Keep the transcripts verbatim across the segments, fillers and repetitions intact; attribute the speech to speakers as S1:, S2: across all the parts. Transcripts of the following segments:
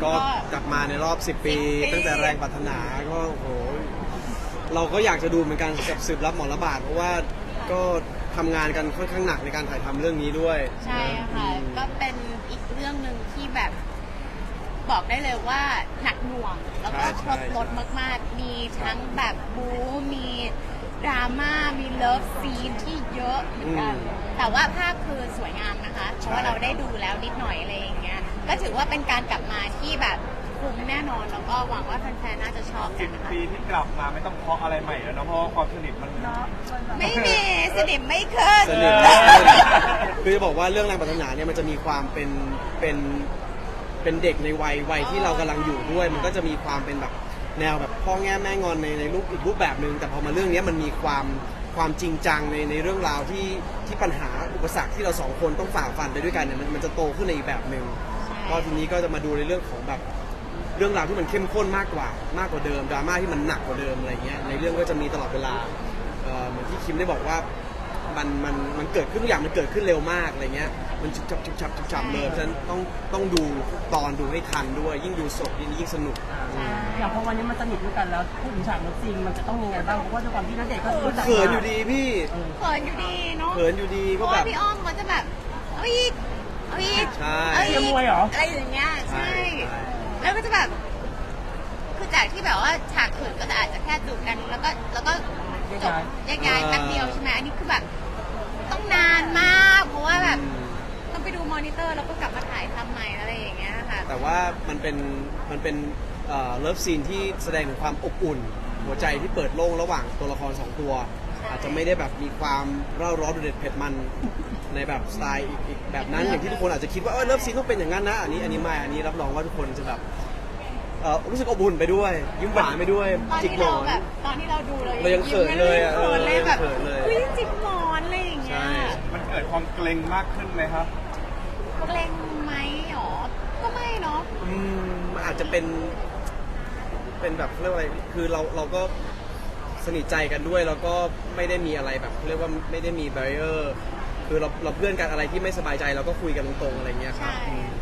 S1: ก็กลับมาในรอบสิบปีตั้งแต่แรงปรารถนาก็โอ้โหเราก็อยากจะดูเหมือนกันกับสืบรับหมอระบาดเพราะว่าก็ทำงานกันค่อนข้างหนักในการถ่ายทำเรื่องนี้ด้วย
S2: ใช่ค่ะก็เป็นอีกเรื่องหนึ่งที่แบบบอกได้เลยว่าหนักหน่วงแล้วก็ครบรสมากๆมีทั้งแบบบู๊มีดราม่ามีเลิฟซีนที่เยอะเหมือนกันแต่ว่าภาพคือสวยงามนะคะเพราะว่าเราได้ดูแล้วนิดหน่อยอะไรอย่างเงี้ยก็ถือว่าเป็นการกลับมาที่แบบคุ้มแน่นอนแล้วก็หวังว่าแฟนๆน่าจะชอบกันนะคะ
S3: ปีที่กลับมาไม่ต้องเคาะอะไรใหม่แล้วนะเพราะความสนิทมัน
S2: ไม่มีสนิทไม่ขึ้น
S1: สนิทคือจะบอกว่าเรื่องแรงปรารถนาเนี่ยมันจะมีความเป็นเป็นเป็นเด็กในวัยวัยที่เรากำลังอยู่ด้วยมันก็จะมีความเป็นแบบแนวแบบพ่อแง่แม่งอนในในรูปอีกรูปแบบหนึ่งแต่พอมาเรื่องนี้มันมีความความจริงจังในในเรื่องราวที่ที่ปัญหาอุปสรรคที่เราสองคนต้องฝ่าฟันไปด้วยกันเนี่ยมันมันจะโตขึ้นในอีกแบบหนึ่งก็ทีนี้ก็จะมาดูในเรื่องของแบบเรื่องราวที่มันเข้มข้นมากกว่ามากกว่าเดิมดราม่าที่มันหนักกว่าเดิมอะไรเงี้ยในเรื่องก็จะมีตลอดเวลาเหมือนที่คิมได้บอกว่ามันมันมันเกิดขึ้นทุกอย่างมันเกิดขึ้นเร็วมากอะไรเงี้ยมันฉุบฉับฉุบฉับฉุบฉับเลยเพราะฉะนั้นต้องต้องดูตอนดูให้ทันด้วยยิ่งดูสดยิ่งยิ่งสนุก
S4: อย่างพอวันนี้มันสนิทด้วยกันแล้วพูดถึงฉากรถจริงมันจะต้องยังไงบ้างเพราะว่าด้วยความที่นักเด็กก็รู้จัก
S1: เขินอยู่ดีพี่
S2: เขินอยู่ดีเนาะ
S1: เขินอยู่ดีก็แบบ
S2: พี่อ้อมเขาจะแบบเอาอีกเอาอีก
S1: ใช่
S4: เชียร์มวยเหรอ
S2: อะไรอย่างเงี้ยใช่แล้วก็จะแบบคือจากที่แบบว่าฉากอื่นก็จะอาจจะแค่จูบกันแล้วก็แล้วก็จบแยกย้ายแป๊บเดียวใช่ไหมอันนี้คือแบบต้องนานมากเพราะว่าแบบต้องไปดูมอนิเตอร์แล้วก็กลับมาถ่ายทำใหม่อะไรอย่างเงี้ยค่ะ
S1: แต่ว่ามันเป็นมันเป็นเลิฟซีนที่แสดงถึงความอบอุ่นหัวใจที่เปิดโล่งระหว่างตัวละครสองตัวอาจจะไม่ได้แบบมีความเร่าร้อนเด็ดเผ็ดมันในแบบสไตล์อีกแบบนั้นอย่างที่ทุกคนอาจจะคิดว่าเออเลิฟซีนต้องเป็นอย่างนั้นนะอันนี้อันนี้ไม่อันนี้รับรองว่าทุกคนจะแบบรู้สึกอบอุ่นไปด้วยยิ้มหวานไปด้วยจิกหมอน
S2: แบบตอนที่เราดู
S1: เรายังเขินเลยอ่ะ
S2: เขินเลยแบบเฮ้ยจิกหมอนอะไรอย่างเงี้ย
S3: มันเกิดความเกรงมากขึ้นไหมครับ
S2: เกรงไหมหรอก็ไม่เนาะ
S1: อืมอาจจะเป็นเป็นแบบเรียกว่าอะไรคือเราเราก็สนิทใจกันด้วยแล้วก็ไม่ได้มีอะไรแบบเรียกว่าไม่ได้มีแบรีเออร์คือเราเราเพื่อนกันอะไรที่ไม่สบายใจเราก็คุยกันตรงๆอะไรเงี้ยครับ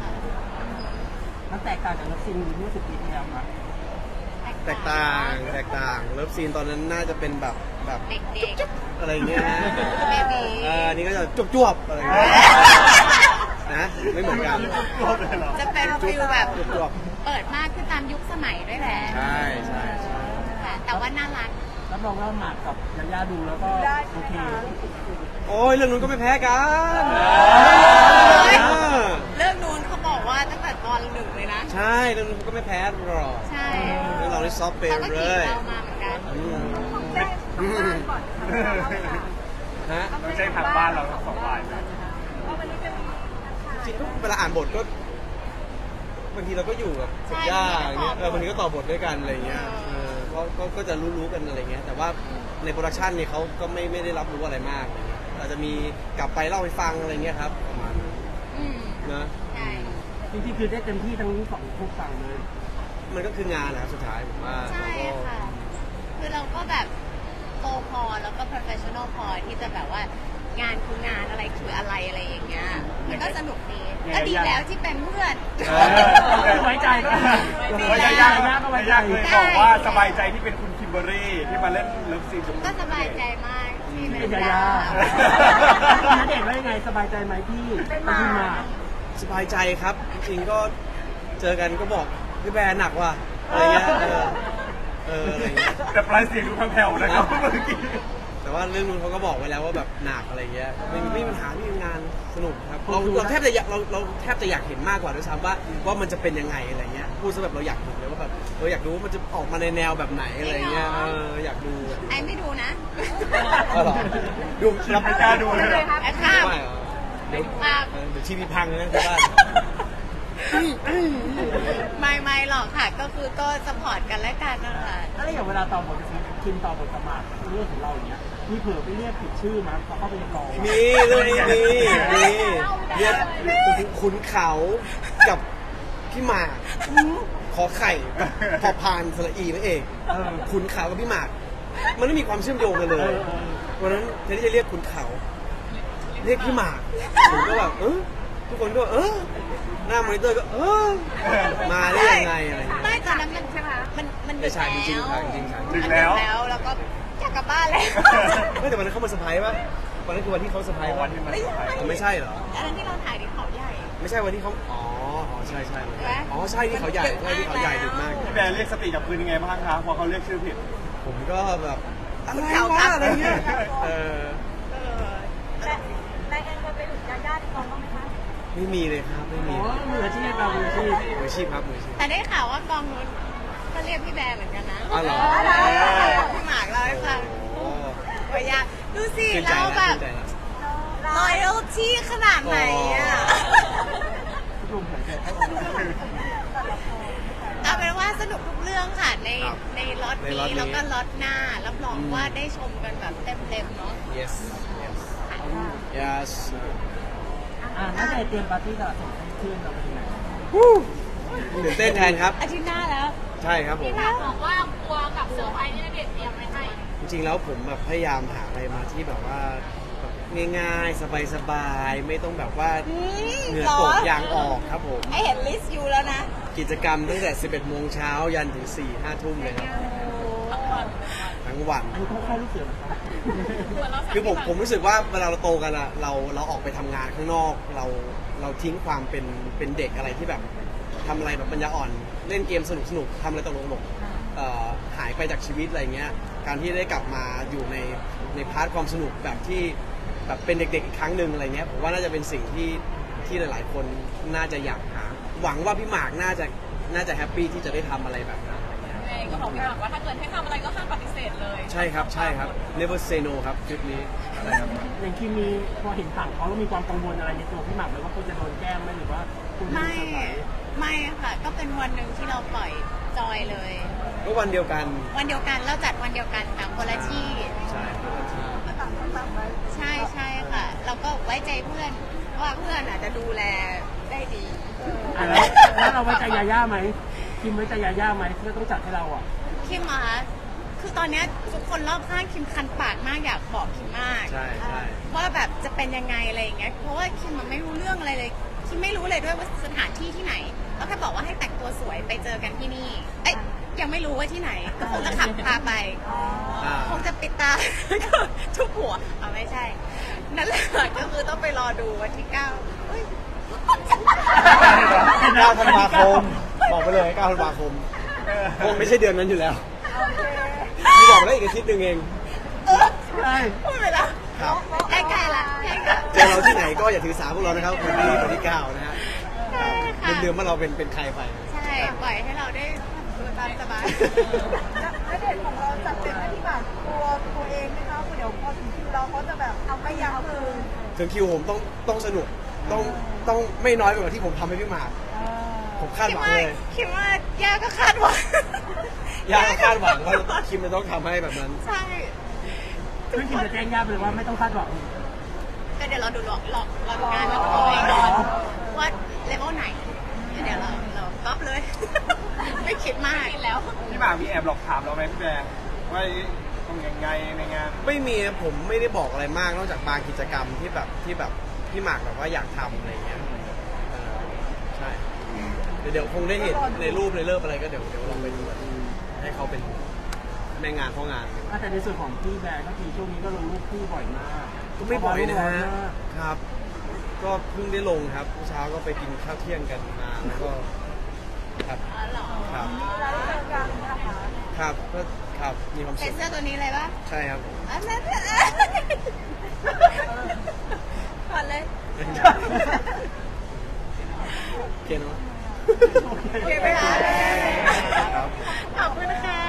S4: มันแตกต่างจากเลิฟซีนเมื่อสิบปีที่แล้วมั้ย
S1: แตกต่างแตกต่างเลิฟซีนตอนนั้นน่าจะเป็นแบบแบบจุ๊บๆอะไรเงี้ยนะอ่านี่ก็จะจุ๊บๆอะไรเงี้ยนะไม่เหมือนกัน
S2: จะเป็นฟิลแบบเปิดมากขึ้นตามยุคสมัยด้วยแหละ
S1: ใช่ใช่ใช่
S2: แต่ว่าน่ารัก
S4: รับรองว่าหมากกับยาย่าดูแล้วก็โอเค
S1: โอ้ยเรื่องนู้นก็ไม่แพ้กัน
S2: เรื่องนู้นเขาบอกว่าตั้งแต่ตอนหนึ่งเลยนะ
S1: ใช่เรื่องนู้นก็ไม่แพ้หรอก
S2: ใช่
S1: เรื่องเราได้ซอฟต์เปย์เลย
S2: เรามาเหมือนกัน
S1: ฮะ
S3: ไม่ใช่ทางบ้านเราสองฝ่ายเลย
S1: จริงเวลาอ่านบทก็บางทีเราก็อยู่กับสัญญาอย่างเงี้ยเออบางทีก็ต่อบทด้วยกันอะไรเงี้ยเออก็ก็จะรู้ๆกันอะไรเงี้ยแต่ว่าในโปรดักชันเนี่ยเขาก็ไม่ไม่ได้รับรู้อะไรมากอะไรเงี้ยอาจจะมีกลับไปเล่าให้ฟังอะไรเงี้ยครับประมาณนะ
S4: จริงๆคือได้เต็มที่ทั้งสองทุกฝั่งเลย
S1: มันก็คืองานแหละสุดท้ายผมว่า
S2: ใช่ค่ะคือเราก็แบบโตพอแล้วก็ professional พอที่จะแบบว่างานคืองานอะไรคืออะไรอะไรอย่างเงี้ยมันก็สนุกดีก็ดีแล้วที่เป็นเพื่อน
S4: ไว้ใจก็
S3: ไว้ใจยากนะก็ไว้ใจเลยบอกว่าสบายใจที่เป็นคุณคิมเบอรี่ที่มาเล่นเลิฟซีน
S2: ก็สบายใจมากที่เป็น
S4: ยาย่าณเดชน์ว่ายังไงสบายใจไหมพี่เป็นมา
S1: สบายใจครับจริงก็เจอกันก็บอกพี่แบร์หนักว่ะอะไรเงี้ยเอออะไรเงี้ย
S3: แต่ปลายเสียงดูแผ่วๆนะครับเมื่อกี้
S1: แต่ว่าเรื่องนู้นเขาก็บอกไว้แล้วว่าแบบหนักอะไรเงี้ยไม่ไม่มีปัญหาที่งานสนุกครับเราเราแทบจะอยากเราเราแทบจะอยากเห็นมากกว่าด้วยซ้ำว่าว่ามันจะเป็นยังไงอะไรเงี้ยพูดซะแบบเราอยากเห็นเลยว่าแบบเราอยากดูว่ามันจะออกมาในแนวแบบไหนอะไรเงี้ยเอออยากดู
S2: ไอ้ไม่ดูนะ
S1: อ๋อเหรอดู
S3: รับไม่กล้าดูเลย
S2: ไอ้ข้าม
S1: เดี๋ยวเดี๋ยวทีวีพังนะที่บ้าน
S2: ไม่ไม่หรอกค่ะก็คือก็สปอร์ตกันและกันนะคะ
S4: แล้วอย่างเวลาตอบบทคิมตอบบทประมาทเรื่องของเราอย่างเงี้ยมีเผื่อไปเรียกผิดชื่อมั้ยเขาเข้าไปในกอง
S1: มีเรื่องนี้มีมีเรียกขุนเขากับพี่หมากขอไข่พอพานสระอีนั่นเองขุนเขากับพี่หมากมันไม่มีความเชื่อมโยงกันเลยวันนั้นแทนที่จะเรียกขุนเขาเรียกพี่หมากผมก็แบบเออทุกคนก็เออหน้ามอนิเตอร์ก็เออมาได้ยังไงอะไรอย่างเงี้ย
S2: ไม่ตอนนั้นมันใช่ไหมมันมัน
S1: ไม่ใช่จริงๆครับจริงๆครับ
S3: ดึกแล้ว
S2: แล้วแล้วก็อยากกลับบ้านแล้ว
S1: ไม่แต่วันนั้นเขามาเซอร์ไพรส์ป่ะวันนั้นคือวันที่เขาเซอร์ไพรส์
S3: วั
S1: ป่ะ
S3: นที่มัน
S1: อ๋อไม่ใช่เหรอ
S2: อันนั้นที่เราถ่ายที่เขาใหญ่
S1: ไม่ใช่วันที่เขาอ๋ออ๋อใช่ใช่
S2: ใช่ไหม
S1: อ๋อใช่ที่เขาใหญ่ใช่ที่เขาใหญ่ดึกมาก
S3: พี่แบร์เรียกสติกับคืนยังไงบ้างคะพอเขาเรียกชื่อผิด
S1: ผมก็แบบอะไร
S2: เก่าว
S1: ะ
S2: ครับ
S1: อะไรเงี้ยเออ
S2: เออ
S5: และและแอนเคยไปถึงญาติญาติกองบ้างไหมคะ
S1: ไม่มีเลยครับไม่
S4: โอ้
S1: มี
S4: มืออาชีพเรามืออาชีพ
S1: มืออาชีพครับมืออาชีพ
S2: แต่ได้ข่าวว่ากองนู้นก็เรียกพี่แบร์เหมือนกันนะ
S1: อ๋อเหรอ
S2: พี่หมากเล่าให้ฟัง
S1: โอ้
S2: โอ้ยอยากดูสิ
S1: ชื่นใจ
S2: เรา
S1: นะ
S2: แบ
S1: ชื่
S2: บ
S1: นใจนะ
S2: loyalty ขนาดไหนอ่ะ
S4: ทุกคนเหมือนกัน
S2: เอาเป็นว่าสนุกทุกเรื่องค่ะใน
S1: ครับ
S2: ในล็อต
S1: ในล็อต
S2: นี้
S1: นี้
S2: แล้วก็ล็อตหน้า รับรอง
S1: อืม
S2: ว่าได้ชมกันแบบเต็มๆเนาะ
S1: yes yes yes
S4: อ่าน่าจะเตรียมปาร์ตี้ตลาดสดให้เพื่อนเราไปที่ไหน
S1: ตื่นเต้นแทนครับ
S2: อาทิตย์หน้าแล้ว
S1: ใช่ครับผม
S5: บอกว่ากลัวกับเซอร์ไพรส์ที่ณเดชน์เตรียมไว้ให้
S1: จริงๆแล้วผมแบบพยายามหาอะไรมาที่แบบว่าแบบง่ายๆ สบายๆ ไม่ต้องแบบว่า
S2: อืม
S1: เหงื่อ
S2: หรอ
S1: ตกยางออกครับผม
S2: ไอเห็นลิสต์อยู่แล้วนะ
S1: กิจกรรมตั้งแต่ สิบเอ็ดโมงเช้ายันถึง สี่ห้า ทุ่มเลยครับ ทั้งวัน
S4: อันนี้ต้องค่ายลูกเสือนะครับ
S1: คือผมผมรู้สึกว่าเวลาเราโตกันอะเราเราออกไปทำงานข้างนอก เราเราทิ้งความเป็นเป็นเด็กอะไรที่แบบทำอะไรแบบปัญญาอ่อน เล่นเกมสนุกสนุกทำอะไรตลกตลกเอ่อหายไปจากชีวิตอะไรเงี้ย การที่ได้กลับมาอยู่ในในพาร์ทความสนุกแบบที่แบบเป็นเด็กๆอีกครั้งหนึ่งอะไรเงี้ยผมว่าน่าจะเป็นสิ่งที่ที่หลายๆ คนน่าจะอยากหา หวังว่าพี่หมากน่าจะน่าจะแฮปปี้ที่จะได้ทำอะไรแบบนั้นอะไรเงี้ย
S5: เองก็บอกพี่หมากว่าถ้าเกิดให้ทำอะไรก็ห้ามปฏิเสธเลย
S1: ใช่ครับใช่ครับ never say no ครับคลิปนี้อะไรครับ
S4: อย่างคิมมีพอเห็นฝั่งเขาแล้วมีความกังวลอะไรในตัวพี่หมากไหมว่าคุณจะโดนแกล้งไหมหรือว่าคุณจะ
S2: ไม่
S4: เซอร์ไพรส์
S2: ไม่ค่ะ ก็เป็นวันหนึ่งที่เราปล่อยจอยเลย
S1: ก็วันเดียวกัน
S2: วันเดียวกันเราจัดวันเดียวกันแต่คนละที่
S1: ใช่ครับ
S2: ใช่ใช่ค่ะ เราก็ไว้ใจเพื่อนว่าเพื่อนอาจจะดูแลได้ดี
S4: อ่ะแล้วแล้วเราไว้ใจยาย่าไหมคิมไว้ใจยาย่าไหมเพื่อต้องจัดให้เราอ่ะ
S2: คิมอะคะคือตอนเนี้ยทุกคนรอบข้างคิมคันปากมากอยากบอกคิมมาก
S1: ใช่ใช่
S2: ว่าแบบจะเป็นยังไงอะไรอย่างเงี้ย เพราะว่าคิมมันไม่รู้เรื่องอะไรเลย คิมไม่รู้เลยด้วยว่าสถานที่ที่ไหนแล้วแค่บอกว่าให้แต่งตัวสวยไปเจอกันที่นี่ เอ้ยยังไม่รู้ว่าที่ไหน ก็คงจะขับพาไป
S1: อ่า
S2: คงจะปิดตา ทุกหัวอ๋อไม่ใช่ นั่นแหละก็คือต้องไปรอดูวันที่เก้าเฮ้ย
S1: เก้าธันวาคมบอกไปเลยเก้าธันวาคมคงไม่ใช่เดือนนั้นอยู่แล้วพี่บอกได้อีกอาทิตย์หนึ่งเอง
S2: เออ
S4: ใช่
S2: พูดไปแล้ว
S1: ครับ
S2: ใกล้ๆละใกล้ๆละ
S1: เจอเราที่ไหนก็อย่าถือสาพวกเรานะครับวันนี้วันที่เก้านะฮะ
S2: ใช่ค่ะ
S1: ลืมๆว่าเราเป็นเป็นใครไป
S2: ใช่ปล่อยให้เราได้ทำตัวตามสบาย
S5: ณเดชน์ของเราจัดเต็มให้พี่หมากกลัวตัวเองไหมคะเดี๋ยวพอถึงคิวเราเขาจะแบบเอาไม่ยั้งมือ
S1: ถึงคิวผมต้องต้องสนุกต้องต้องไม่น้อยไปกว่าที่ผมทำให้พี่หมากผมคาด
S2: คิ
S1: ห
S2: ด
S1: วัง
S2: ว่า
S1: เลย
S2: คิดว่าย่าก็คาดหวัง
S1: ยากคาดหวังว่าคิมจะต้องทำให้แบบนั้น
S2: ใช่
S4: ซึ่งคิมจะแจ้งย่าไปเลยว่าไม่ต้องคาดหวัง
S2: ก็เดี๋ยวเราดูหลอกหลอกหลอกงานเราตัวเองก่อนว่าเลเวลไหน เดี๋ยวเราเราก๊อปเลย ไม่คิดมากแล้ว
S3: พี่หมากมีแอบหลอกถามเราไหมพี่แบร์ว่าต้องยังไงในงาน
S1: ไม่มีนะผมไม่ได้บอกอะไรมากนอกจากบางกิจกรรมที่แบบที่แบบพี่หมากแบบว่าอยากทำอะไรเงี้ยเออใช่เดี๋ยวเดี๋ยวคงได้เห็นในรูปในเลิฟอะไรก็เดี๋ยวเดี๋ยวลองไปดูกันให้เขาเป็นแม่งานพ่องาน
S4: แต่ในส่วนของพี่แบร์ก็คือช่วงนี้ก็ลงรูปคู่บ่อยมาก
S1: ก็ไม่บ่อยนะฮะ
S4: มาก
S1: ครับ ก็เพิ่งได้ลงครับเมื่อเช้าก็ไปกินข้าวเที่ยงกันมาแล้วก็ครับ
S2: อ๋อเหรอ
S1: ครับ
S5: แล้วเจอกันนะคะ
S1: ครับก็ครับมีความ
S2: ใส่
S1: สุข
S2: เสื้อตัวนี้เลยปะ
S1: ใช่ครับ
S2: อันนั้นก่อนเลย
S1: โอเคเนาะ
S2: โอเคไหมคะ
S1: ครับ
S2: ขอบคุณค่ะ